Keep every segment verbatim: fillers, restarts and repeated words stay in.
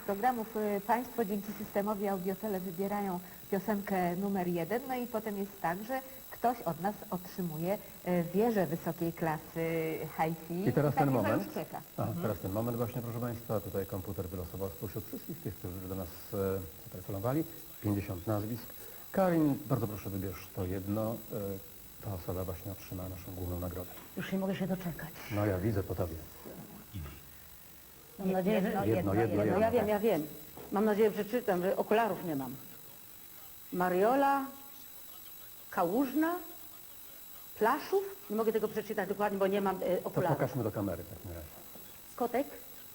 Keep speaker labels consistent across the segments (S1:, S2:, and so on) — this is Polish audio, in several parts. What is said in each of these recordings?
S1: programów y, Państwo dzięki systemowi Audiotele wybierają piosenkę numer jeden, no i potem jest tak, że ktoś od nas otrzymuje y, wieżę wysokiej klasy hi-fi.
S2: I teraz
S1: tak
S2: ten
S1: chyba
S2: moment.
S1: już czeka.
S2: Aha, teraz ten moment właśnie, proszę Państwa. Tutaj komputer wylosował spośród wszystkich tych, którzy do nas e, zatelefonowali. pięćdziesiąt nazwisk. Karin, bardzo proszę, wybierz to jedno. E, ta osoba właśnie otrzyma naszą główną nagrodę.
S3: Już nie mogę się doczekać.
S2: No ja widzę po tobie.
S3: Mam nadzieję, że...
S1: Jedno,
S2: Jedno, jedno,
S3: No
S2: jedno.
S3: ja wiem, ja wiem. Mam nadzieję, że przeczytam, że okularów nie mam. Mariola, Kałużna, Plaszów. Nie mogę tego przeczytać dokładnie, bo nie mam e,
S2: To
S3: okularów.
S2: pokażmy do kamery w takim razie.
S3: Kotek,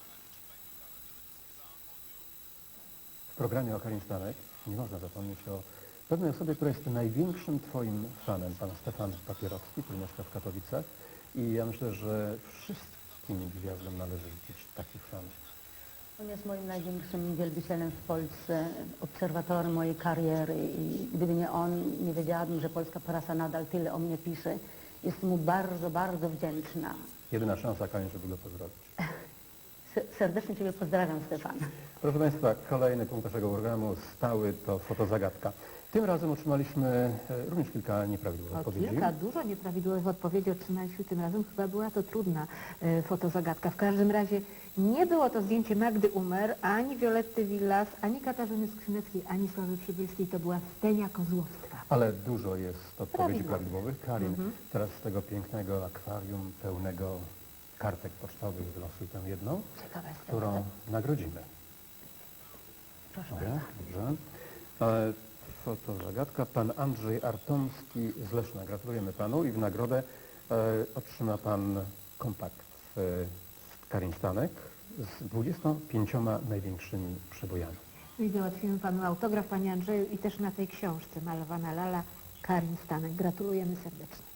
S2: W programie o Karin Stanek nie można zapomnieć o pewnej osobie, która jest największym Twoim fanem, pan Stefan Papierowski, który mieszka w Katowicach. I ja myślę, że wszystkim gwiazdom należy życzyć takich fanów.
S3: on jest moim największym wielbicielem w Polsce, obserwatorem mojej kariery i gdyby nie on, nie wiedziałabym, że polska prasa nadal tyle o mnie pisze. Jestem mu bardzo, bardzo wdzięczna.
S2: Jedyna szansa, Karin, żeby go pozdrowić.
S3: Se- Serdecznie Ciebie pozdrawiam, Stefan.
S2: Proszę Państwa, kolejny punkt naszego programu stały to fotozagadka. Tym razem otrzymaliśmy e, również kilka nieprawidłowych
S1: O,
S2: odpowiedzi.
S1: kilka dużo nieprawidłowych odpowiedzi otrzymaliśmy tym razem. Chyba była to trudna e, fotozagadka. W każdym razie nie było to zdjęcie Magdy Umer, ani Violetty Villas, ani Katarzyny Skrzyneckiej, ani Sławy Przybylskiej. To była Stenia Kozłowska.
S2: Ale dużo jest odpowiedzi
S1: Prawidłowych.
S2: prawidłowych. Karin, teraz z tego pięknego akwarium pełnego kartek pocztowych wylosuj tę jedną,
S1: Ciekawa jest
S2: którą nagrodzimy.
S3: Proszę
S2: Dobra,
S3: bardzo.
S2: dobrze. E, fotozagadka. Pan Andrzej Artomski z Leszna. Gratulujemy Panu i w nagrodę e, otrzyma Pan kompakt e, z Karin Stanek z dwudziestoma pięcioma największymi przebojami.
S1: I załatwimy Panu autograf, Panie Andrzeju, i też na tej książce Malowana Lala Karin Stanek. Gratulujemy serdecznie.